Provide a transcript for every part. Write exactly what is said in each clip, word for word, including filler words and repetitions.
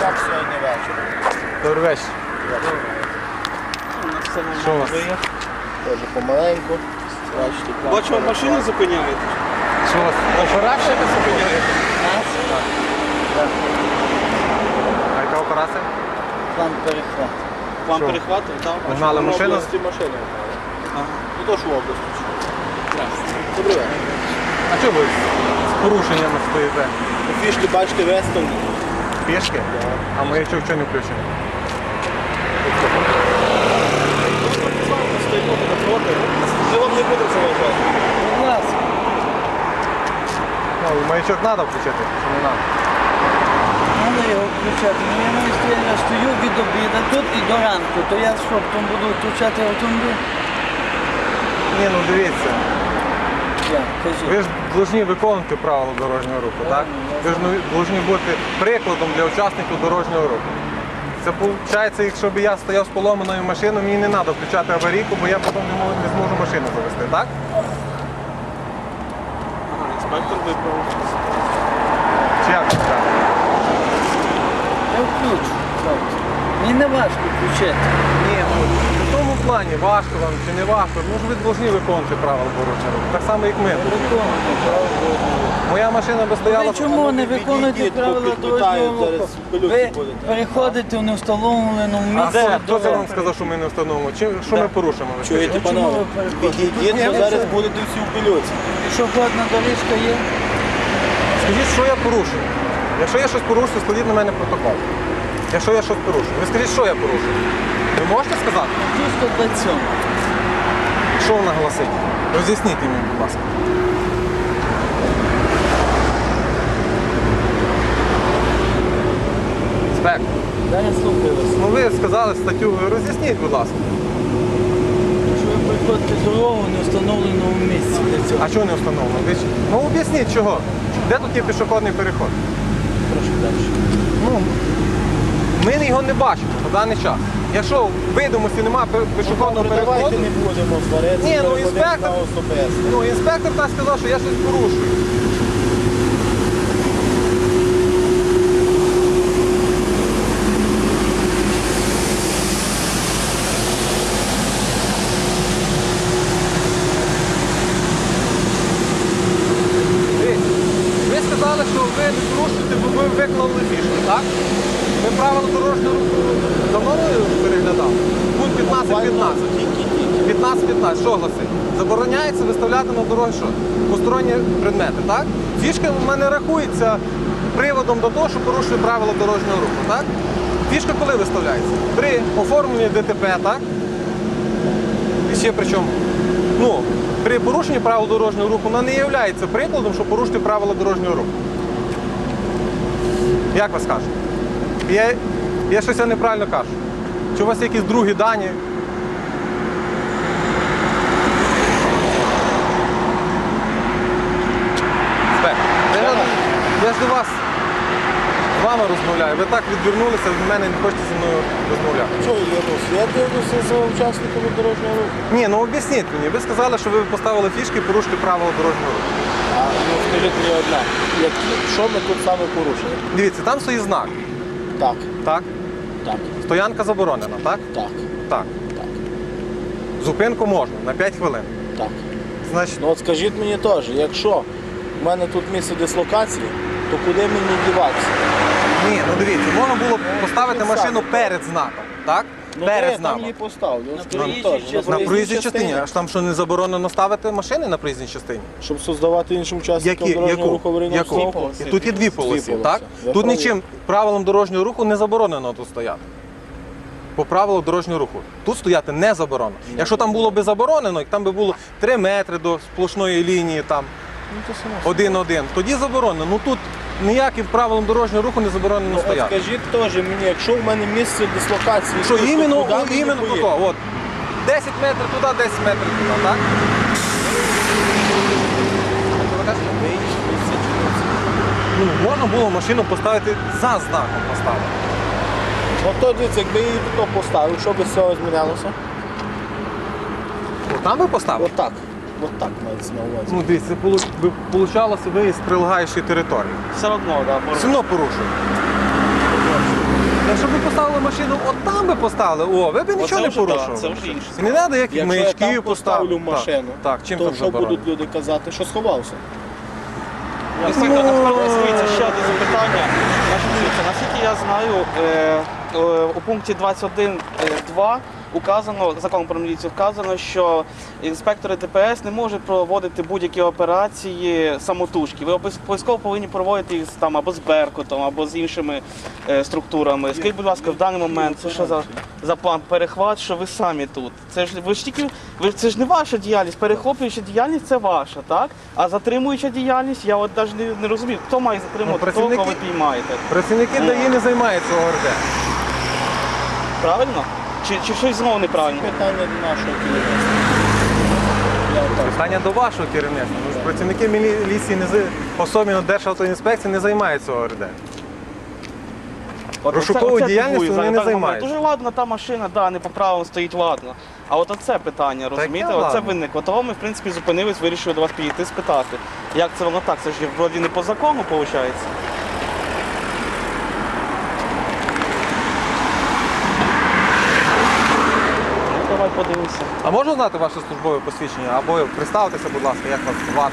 Як сьогодні вечір? Добрий вечір. Що у вас? Теж помаленьку. Бачу, вам машину зупиняєте. Що у вас? Операція? Зупиняєте. А яка операція? План перехват. План Що? перехвату, так? Гнали машину? машини. Ага. Ну то ж в області. Здравствуйте. Добрий вечір. А чого ви з порушеннями стоїте? Фішки бачите вестерні. Пішки? А маячок чого не включений? Стоїмо на фронті. Ми вам не будемо заважати. Будь ласка. Ну, маячок треба включити, чи не треба? Треба його включати. Ну я маю стояти, я стою від обіду тут і до ранку. То я що, потім буду включати автомобіль? Ні, ну дивіться. Я, кажи. Ви ж повинні виконувати правила дорожнього руху, так? Ви ж повинні бути прикладом для учасників дорожнього руху. Це виходить, якщо б я стояв з поломаною машиною, мені не треба включати аварійку, бо я потім не можу- не зможу машину завести, так? Ага, інспектор виправив. Чи як це так? Я включу. хлопці. Мені не важко включити. Ні, ну в тому плані, важко вам чи не важко, ну ж ви повинні виконувати правила дорожнього руху, так само, як ми. Виконуйте правила. Моя машина би стояла... Ви чому не виконуєте відійдіть, правила попідпитають, дорожнього зараз руху? пилюки Ви будете. переходите в невстановленому А місці. де? Хто це дороги. вам сказав, що ми не встановимо? Чи, що ми порушимо? ви Чуєте, скажіть? Чому панове? ви переходите? Відійдіть, Ні, бо ви зараз це- будете всі в пильоці. Пішохідна доріжка є? Скажіть, що я порушую? Якщо я щось порушую, складіть на мене протокол. Якщо я щось порушую. Ви скажіть, що я порушую? Ви можете сказати? Тут сто двадцять сьом. Що вона гласить? Роз'ясніть мені, будь ласка. Спек. Зараз слухаю вас. Ну ви сказали статтю, роз'ясніть, будь ласка. Якщо ви переходите дорогу в невстановленому місці для цього. А чого не встановлено? Ви ж- Ну об'ясніть чого. Де тут є пішохідний переход? Прошу далі. Ну, ми його не бачимо на даний час. Якщо в видимості немає пішохідного Добре, переходу, давайте не будемо сваритися. Ні, ну, переходимо інспектор- на особисте. ну інспектор так сказав, що я щось порушую. Дивіться, ви сказали, що ви не порушуєте, бо ви виклали фішки, так? Ми правила дорожнього руху давно переглядали? Пункт п'ятнадцять п'ятнадцять. п'ятнадцять п'ятнадцять, що гласить? Забороняється виставляти на дороги що? Посторонні предмети, так? Фішка в мене рахується приводом до того, що порушує правила дорожнього руху, так? Фішка коли виставляється? При оформленні ДТП, так? І ще при чому? Ну, при порушенні правил дорожнього руху вона не є прикладом, що порушити правила дорожнього руху. Як ви скажете? Я, я щось я неправильно кажу. Чи у вас є якісь другі дані? Спек, я, я ж до вас з вами розмовляю. Ви так відвернулися, від мене не хочете зі мною розмовляти. Що я дивлюся? Я дивлюся за учасниками дорожнього руху. Ні, ну об'ясніть мені. Ви сказали, що ви поставили фішки і порушити правила дорожнього руху. А ну скажіть мені одне, які, що ми тут саме порушили? Дивіться, там стоїть знак. Так, Так? так, Стоянка заборонена, так? так, Так. так, Зупинку можна на п'ять хвилин. так. Значить, Ну от скажіть мені теж, якщо в мене тут місце дислокації, то куди мені діватися? ні, ну дивіться, можна було б поставити Ну, машину саме. перед знаком, так? Ну перед я там знаком. її поставлю. На Скажіть проїжджій теж, частині. На проїзній частині. Аж там що не заборонено ставити машини на проїзній частині? Щоб создавати іншим учасникам Які? дорожнього Яку? руху аварійного Яку? стану. І тут є дві полоси, полоси. так? Ви Тут праві. нічим правилам дорожнього руху не заборонено тут стояти. По правилу дорожнього руху. Тут стояти не заборонено. Якщо там було б заборонено, як там би було три метри до сплошної лінії, там Ну, то само. один-один, тоді заборонено. Ну тут ніяким правилам дорожнього руху не заборонено Ну, от стояти. скажіть теж мені, якщо в мене місце дислокації, Що тут, то іменно, куди о, мені іменно поїхати? тако, от. десять метрів туди, десять метрів туди, так? Ну, можна було машину поставити за знаком поставити. Ну то дивіться, якби я її тут поставив, що би з цього змінялося? От там ви поставили? Отак. Отак мається на увазі. Ну, дивіться, це получалося виїзд з прилегаючої території. Все одно, так. Все одно порушує. Якщо б ви поставили машину, от там би поставили, о, ви б нічого не вже, да, порушували. це вже інше. І не треба ніяких Якщо я там маячків поставлю поставити. машину, Так, так, чим то там що заборонено? будуть люди казати, що сховався? Інспектор, насправді, дивіться, ще одне запитання. Значить, дивіться, наскільки я знаю, е, е, у пункті двадцять один два указано, законом про міліцію вказано, що інспектори ДПС не можуть проводити будь-які операції самотужки. Ви обов'язково повинні проводити їх там або з Беркутом, або з іншими е, структурами. Скажіть, будь ласка, в даний момент це що за, за план перехват, що ви самі тут? Це ж ви ж тільки ви це ж не ваша діяльність, перехоплююча діяльність це ваша, так? А затримуюча діяльність, я от навіть не, не розумію, хто має затримувати, Ну, того, кого ви працівники- піймаєте. Працівники ДАІ не займаються ОРД. Правильно? Чи, чи щось знову неправильно? Питання до нашого керівництва. Я отак. Питання до вашого керівництва. Ну, ж працівники міліції, не з- особливо Державтоінспекції, не займаються ОРД. От Розшуковою оце- оце діяльністю дивує, вони зараз не так говорять. займаються. Дуже ладно, та машина, да, не по правилам стоїть, ладно. А от оце питання, розумієте? яке Оце ладно? виникло. Того ми, в принципі, зупинились, вирішили до вас підійти спитати. Як це воно так? Це ж є вроді не по закону, виходить. Ну, давай подивимося. А можна знати ваше службове посвідчення? Або представтеся, будь ласка, як вас звати?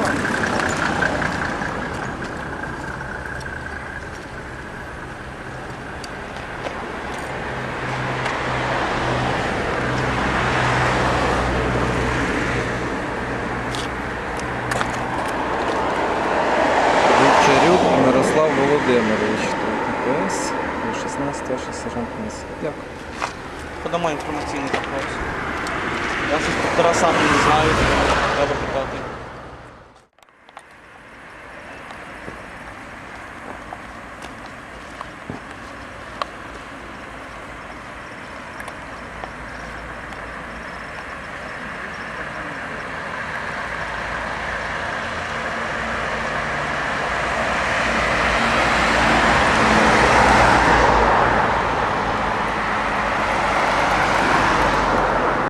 Вівчарюк Мирослав Володимирович, ДПС, шістнадцять старший сержант міліції. Дякую. Подамо інформаційний запрос. Я з інспектора сам не знаю, треба питати.